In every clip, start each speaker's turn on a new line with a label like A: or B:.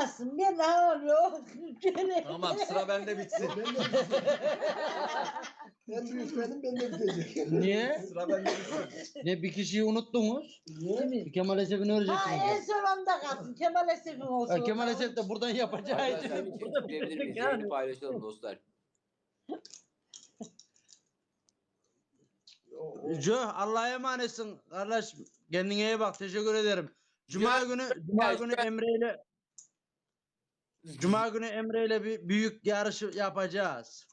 A: Olmasın. Ben ağlıyorum.
B: Tamam sıra bende bitsin.
C: En büyük benim, ben de bitecek.
D: Niye?
B: Sıra bende bitsin.
D: Ne bir kişiyi unuttunuz?
C: Niye?
D: Kemal Esef'ini öreceksiniz.
A: Ha en son onda kalsın. Kemal Esef'in olsun.
D: Ha, Kemal Esef de buradan yapacağı
E: Arkadaşlar
D: için.
E: bir çift tıklayabilir miyiz? Yayını paylaşalım dostlar.
D: Jo Allah'a emanetsin kardeş. Kendine iyi bak. Teşekkür ederim. Cuma günü Emre ile bir büyük yarış yapacağız.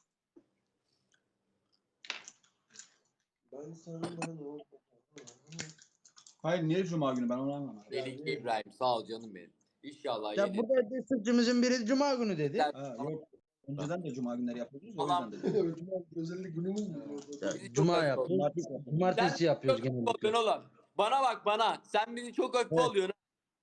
C: Ben sana ne oldu?
B: Hayır niye cuma günü ben onu anlamadım.
E: Melike İbrahim sağ ol canım benim. İnşallah
D: Ya
E: yeni.
D: burada destekçimizin biri Cuma günü dedi.
B: Ha, yok. Önceden de cuma günleri yapıyoruz. O
E: Tamam.
B: yüzden dedim.
C: Cuma özellik günümüz mü?
D: Ya,
E: Bizi çok
D: Cuma
E: hafif
D: yapıyoruz.
E: Sen
D: Cumartesi yapıyoruz
E: çok hafif
D: genellikle.
E: oluyorsun oğlum. Bana bak bana. Sen bizi çok hafif
D: Evet.
E: oluyorsun.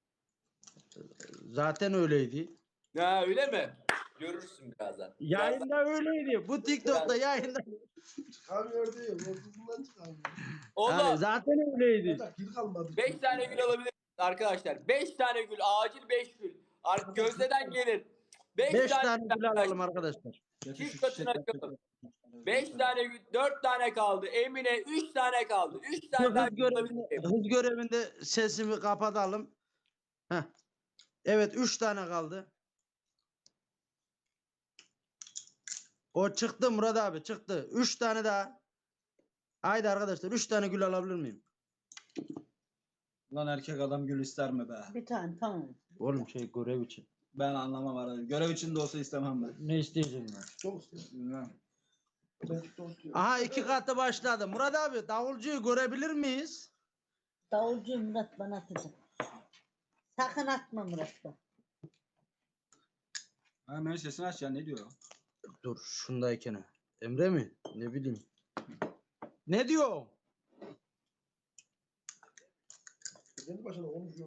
D: Zaten öyleydi.
E: Ha öyle mi? Görürsün birazdan.
D: Yayında öyleydi. Bu TikTok'ta yayında.
C: Çıkamıyor değil. Ortasından çıkamıyor.
E: Oğlum
D: Yani zaten öyleydi.
C: Hatta gül kalmadı.
E: 5 tane gül alabilir miyiz arkadaşlar? 5 tane gül. Acil 5 gül. Gözdeden gelir. 5
D: 5
E: tane
D: tane
E: gül
D: gül alalım arkadaşlar.
E: Çift katına açalım. 5 tane gül. 4 tane kaldı. Emine 3 tane kaldı. 3 tane daha
D: Hız
E: gül alabilir
D: görevinde,
E: miyim?
D: hız görevinde sesimi kapatalım. Heh. Evet 3 tane kaldı. O çıktı Murat abi çıktı. 3 tane daha. Haydi arkadaşlar 3 tane gül alabilir miyim?
B: Lan erkek adam gül ister mi be?
A: Bir tane tamam.
D: Oğlum görev için.
B: Ben anlamam arada. Görev için de olsa istemem ben.
D: Ne isteyeceğim ben?
C: Çok istiyorum.
B: Bilmem.
C: Ben çok istiyorum.
D: Aha 2 katı başladı. Murat abi davulcuyu görebilir miyiz?
A: Davulcu Murat bana atacak. Sakın atma Murat'ta.
B: Ha Mehmet sesini aç ya ne diyor?
D: Dur şundayken. Emre mi? Ne bileyim. Ne diyor?
C: Kendi başına konuşuyor.